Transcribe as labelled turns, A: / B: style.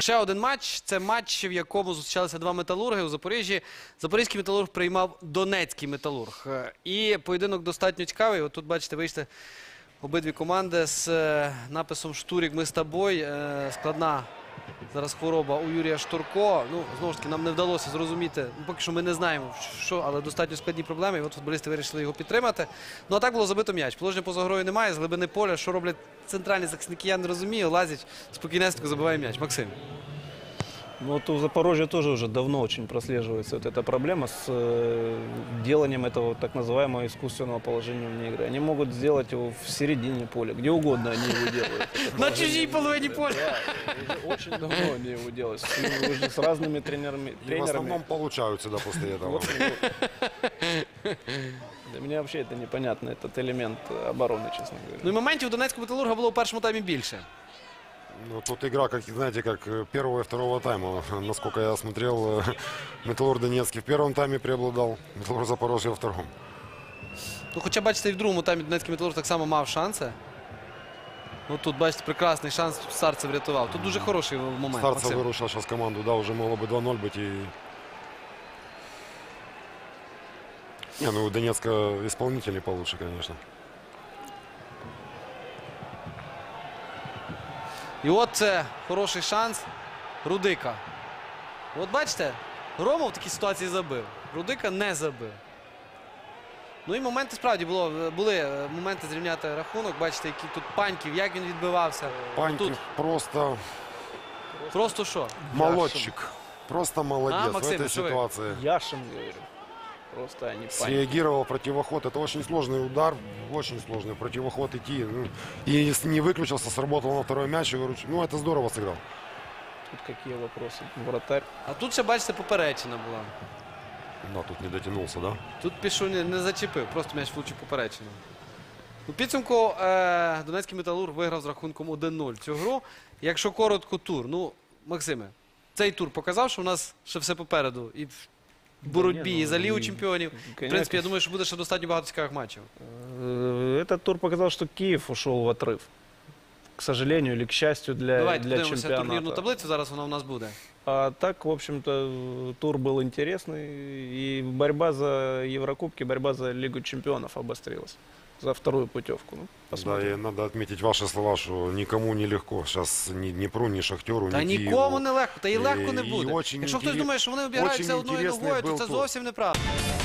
A: Ще один матч. Це матч, в якому зустрічалися два металурги у Запоріжжі. Запорізький металург приймав Донецький металург. І поєдинок достатньо цікавий. От тут, бачите, вийшли обидві команди з написом «Штурік, ми з тобою». Складна зараз хвороба у Юрія Штурко. Ну, знову ж таки, нам не вдалося зрозуміти. Поки що ми не знаємо, що, але достатньо складні проблеми. І от футболісти вирішили його підтримати. Ну, а так було забито м'яч. Положення поза грою немає, з глибини поля. Що роблять центральні захисники, я не розумію. Лазять, спокійнесенько забиває м'яч. Максим.
B: Ну, вот у Запорожья тоже уже давно очень прослеживается вот эта проблема с деланием этого так называемого искусственного положения вне игры. Они могут сделать его в середине поля, где угодно они его делают.
A: На чужій половині поля.
B: Да, очень давно они его делают. Уже с разными тренерами.
C: И в основном получаются, да, после этого.
B: Вот. Для меня вообще это непонятно, этот элемент обороны, честно говоря.
A: Ну і моментів у Донецького металурга було у першому таймі більше.
C: Ну, тут игра, как, знаете, как первого и второго тайма. Насколько я смотрел, Металлург Донецкий в первом тайме преобладал, Металлург Запорожье во втором.
A: Ну, хоча, бачите, і в другому таймі Донецький металург так само мав шанси. Ну, тут, бачите, прекрасний шанс Старцев врятував. Тут дуже хороший момент,
C: Старцев
A: Максим.
C: вырушил сейчас команду, да, уже могло бы 2-0 быть. И... Не, ну у Донецка исполнители получше, конечно.
A: І от це хороший шанс Рудика. От бачите, Громов в такій ситуації забив. Рудика не забив. Ну і моменти справді були моменти зрівняти рахунок. Бачите, який тут Паньків, як він відбивався.
C: Паньків
A: Тут
C: просто
A: що?
C: молодчик. Просто молодец в
A: Максим,
C: этой
A: что вы?
C: ситуации.
B: Яшин, говорю. Просто они паники.
C: Среагировал противоход. Это очень сложный удар, очень сложный противоход идти. Ну, и не выключился, сработал на второй мяч. И ну, это здорово сыграл.
B: Тут какие вопросы? Вратарь.
A: А тут ще, бачите, поперечина була.
C: Да, тут не дотянулся, да?
A: Тут пішов, не зачепив, просто м'яч влучив поперечину. У підсумку Донецький металург виграв з рахунком 1-0 цю гру. Якщо коротко, тур. Ну, Максиме, цей тур показав, що у нас ще все попереду. І в боротьбі, і за Лігу чемпіонів. В принципі, я думаю, що буде ще достатньо багато цікавих матчів.
B: Этот тур показал, что Киев ушел в отрыв. К сожалению или к счастью
A: Давайте
B: для
A: подивимося турнірну
B: чемпионата.
A: таблицю, зараз вона у нас буде.
B: А так, в общем-то, тур был интересный. И борьба за Еврокубки, борьба за Лигу чемпионов обострилась. За вторую путевку. Ну,
C: Да,
B: посмотрим.
C: и надо отметить ваши слова, что никому не легко. Сейчас ни Днепру, ни Шахтеру,
A: Та
C: ни Киеву.
A: нікому не легко, та і легко не
C: І
A: буде.
C: очень
A: Якщо хтось думає, що вони обіграються
C: очень
A: одною
C: інтересний
A: ногою, то
C: був
A: це
C: тур.
A: зовсім неправда.